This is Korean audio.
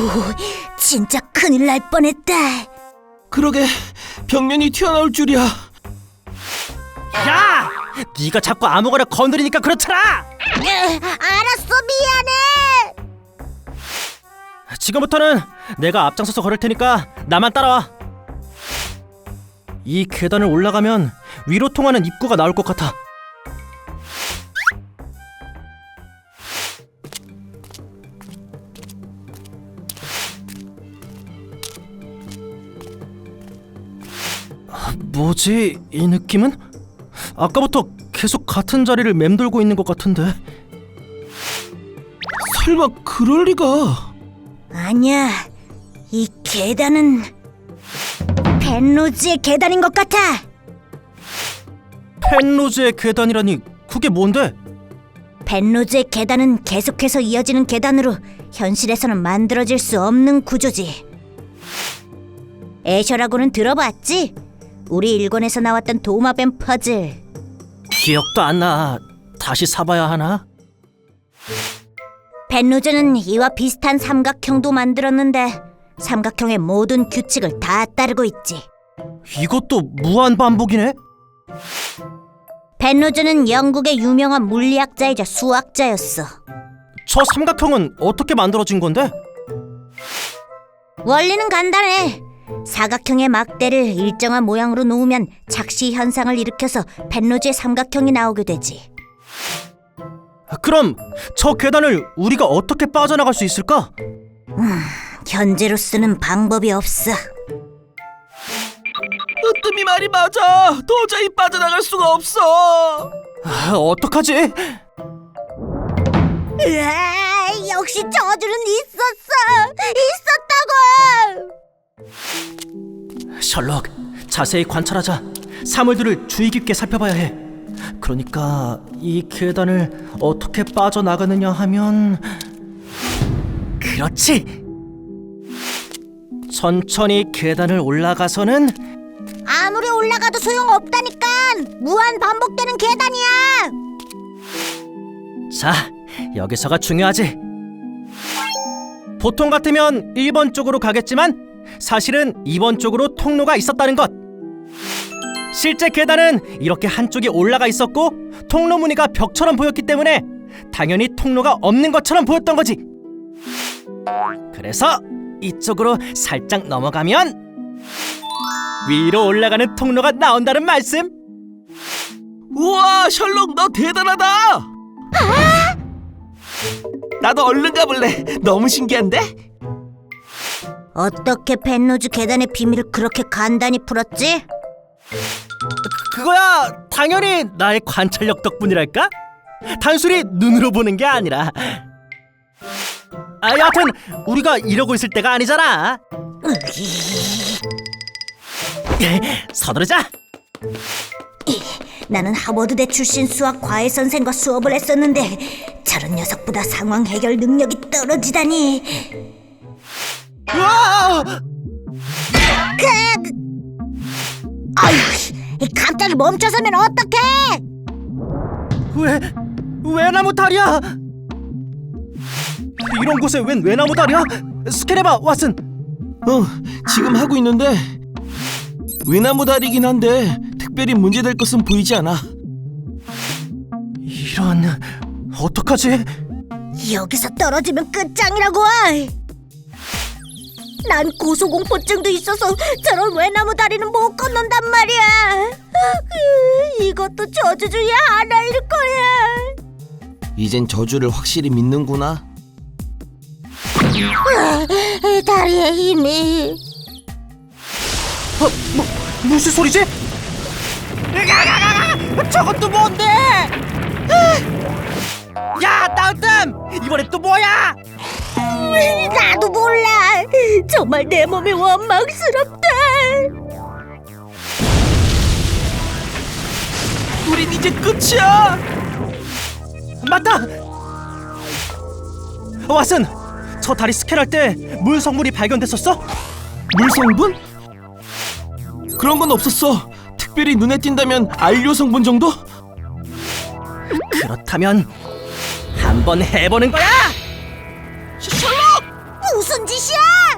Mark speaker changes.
Speaker 1: 진짜 큰일 날 뻔했다.
Speaker 2: 그러게, 벽면이 튀어나올 줄이야.
Speaker 3: 야! 네가 자꾸 아무거나 건드리니까 그렇잖아!
Speaker 1: 알았어, 미안해.
Speaker 3: 지금부터는 내가 앞장서서 걸을 테니까 나만 따라와. 이 계단을 올라가면 위로 통하는 입구가 나올 것 같아. 뭐지, 이 느낌은? 아까부터 계속 같은 자리를 맴돌고 있는 것 같은데.
Speaker 2: 설마 그럴 리가.
Speaker 1: 아니야, 이 계단은 펜로즈의 계단인 것 같아.
Speaker 3: 펜로즈의 계단이라니, 그게 뭔데?
Speaker 1: 펜로즈의 계단은 계속해서 이어지는 계단으로 현실에서는 만들어질 수 없는 구조지. 애셔라고는 들어봤지? 우리 일권에서 나왔던 도마뱀 퍼즐.
Speaker 3: 기억도 안 나. 다시 사봐야 하나?
Speaker 1: 펜로즈는 이와 비슷한 삼각형도 만들었는데 삼각형의 모든 규칙을 다 따르고 있지.
Speaker 3: 이것도 무한 반복이네?
Speaker 1: 펜로즈는 영국의 유명한 물리학자이자 수학자였어.
Speaker 3: 저 삼각형은 어떻게 만들어진 건데?
Speaker 1: 원리는 간단해. 사각형의 막대를 일정한 모양으로 놓으면 착시 현상을 일으켜서 펜로즈의 삼각형이 나오게 되지.
Speaker 3: 그럼 저 계단을 우리가 어떻게 빠져나갈 수 있을까?
Speaker 1: 현재로서는 방법이 없어.
Speaker 2: 으뜸이 말이 맞아. 도저히 빠져나갈 수가 없어.
Speaker 3: 어떡하지?
Speaker 1: 으아, 역시 저주는 있었다고.
Speaker 3: 셜록, 자세히 관찰하자. 사물들을 주의 깊게 살펴봐야 해. 그러니까 이 계단을 어떻게 빠져나가느냐 하면, 그렇지! 천천히 계단을 올라가서는,
Speaker 1: 아무리 올라가도 소용없다니까. 무한 반복되는 계단이야.
Speaker 3: 자, 여기서가 중요하지. 보통 같으면 1번 쪽으로 가겠지만 사실은 2번 쪽으로 통로가 있었다는 것. 실제 계단은 이렇게 한쪽이 올라가 있었고 통로 무늬가 벽처럼 보였기 때문에 당연히 통로가 없는 것처럼 보였던 거지. 그래서 이쪽으로 살짝 넘어가면 위로 올라가는 통로가 나온다는 말씀.
Speaker 2: 우와, 셜록 너 대단하다. 나도 얼른 가볼래. 너무 신기한데?
Speaker 1: 어떻게 펜로즈 계단의 비밀을 그렇게 간단히 풀었지?
Speaker 3: 그거야 당연히 나의 관찰력 덕분이랄까? 단순히 눈으로 보는 게 아니라. 여하튼 우리가 이러고 있을 때가 아니잖아. 서두르자.
Speaker 1: 나는 하버드대 출신 수학 과외 선생과 수업을 했었는데 저런 녀석보다 상황 해결 능력이 떨어지다니.
Speaker 3: 우와!
Speaker 1: 아유, 갑자기 멈춰서면 어떡해?
Speaker 3: 왜 나무 다리야? 이런 곳에 웬 외나무 다리야? 스캔해봐, 왓슨.
Speaker 2: 지금 하고 있는데 외나무 다리긴 한데 특별히 문제될 것은 보이지 않아.
Speaker 3: 이런, 어떡하지?
Speaker 1: 여기서 떨어지면 끝장이라고. 난 고소공포증도 있어서 저런 외나무 다리는 못 건넌단 말이야. 이것도 저주 중에 하나일 거야.
Speaker 2: 이젠 저주를 확실히 믿는구나.
Speaker 1: 다리에 힘이.
Speaker 3: 무슨 소리지? 저것도 뭔데? 야, 땅뜸! 이번엔 또 뭐야?
Speaker 1: 나도 몰라. 정말 내 몸이 원망스럽다.
Speaker 2: 우린 이제 끝이야.
Speaker 3: 맞다! 왓슨! 저 다리 스캔할 때 물 성분이 발견됐었어?
Speaker 2: 물 성분? 그런 건 없었어. 특별히 눈에 띈다면 안료 성분 정도?
Speaker 3: 그렇다면 한번 해보는 거야!
Speaker 2: 셜록!
Speaker 1: 무슨 짓이야?